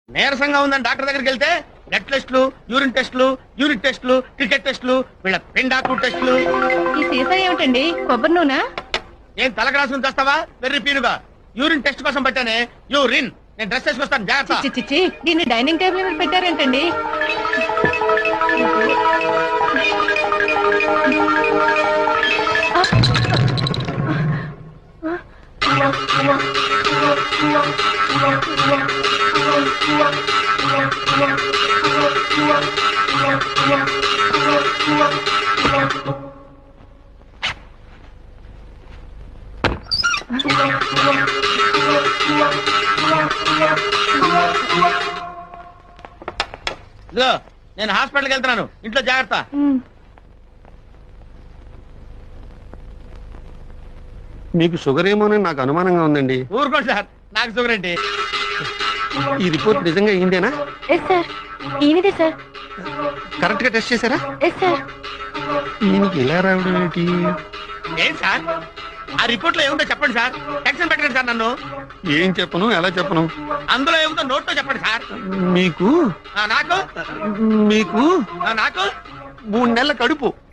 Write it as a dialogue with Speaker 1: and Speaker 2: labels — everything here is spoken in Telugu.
Speaker 1: నీరసంగా ఉందని డాక్టర్ దగ్గరికి వెళ్తే బ్లడ్ టెస్టులు, యూరిన్ టెస్టులు, యూరిన్ టెస్టులు, క్రికెట్ టెస్టులు, వీళ్ళ పిండాకు టెస్టులు.
Speaker 2: ఈ సీసా ఏమిటండి? కొబ్బరి నూనె?
Speaker 1: ఏం తలకరాసుకుని తెస్తావా? వెర్రి పీనుగా యూరిన్ టెస్ట్ కోసం పెట్టానే. యూరిన్ నేను డ్రెస్ వేసుకొస్తాను, జాగ్రత్త.
Speaker 2: చిచ్చి దీన్ని డైనింగ్ టేబుల్ మీద పెట్టారేంటండి?
Speaker 1: ఇదిగో నేను హాస్పిటల్కి వెళ్తున్నాను, ఇంట్లో జాగ్రత్త.
Speaker 3: మీకు షుగర్ ఏమోనని నాకు అనుమానంగా ఉందండి.
Speaker 1: ఊరుకోండి సార్, నాకు షుగర్ ఏంటి?
Speaker 3: ఈ రిపోర్ట్ నిజంగా అయిందేనా?
Speaker 2: ఎస్ సార్, ఈయనదే సార్.
Speaker 3: కరెక్ట్ గా టెస్ట్ చేశారా?
Speaker 2: Yes sir.
Speaker 3: ఈయనకి ఇలా రావడం ఏంటి?
Speaker 1: ఏం సార్ ఆ రిపోర్ట్ లో ఏముందో చెప్పండి సార్. టెన్షన్ పెట్టండి సార్ నన్ను.
Speaker 3: ఏం చెప్పను, ఎలా చెప్పను?
Speaker 1: అందులో ఏముందో నోట్ తో చెప్పండి సార్.
Speaker 3: మీకు
Speaker 1: నాకు
Speaker 3: మీకు
Speaker 1: నాకు
Speaker 3: 3 నెలల కడుపు.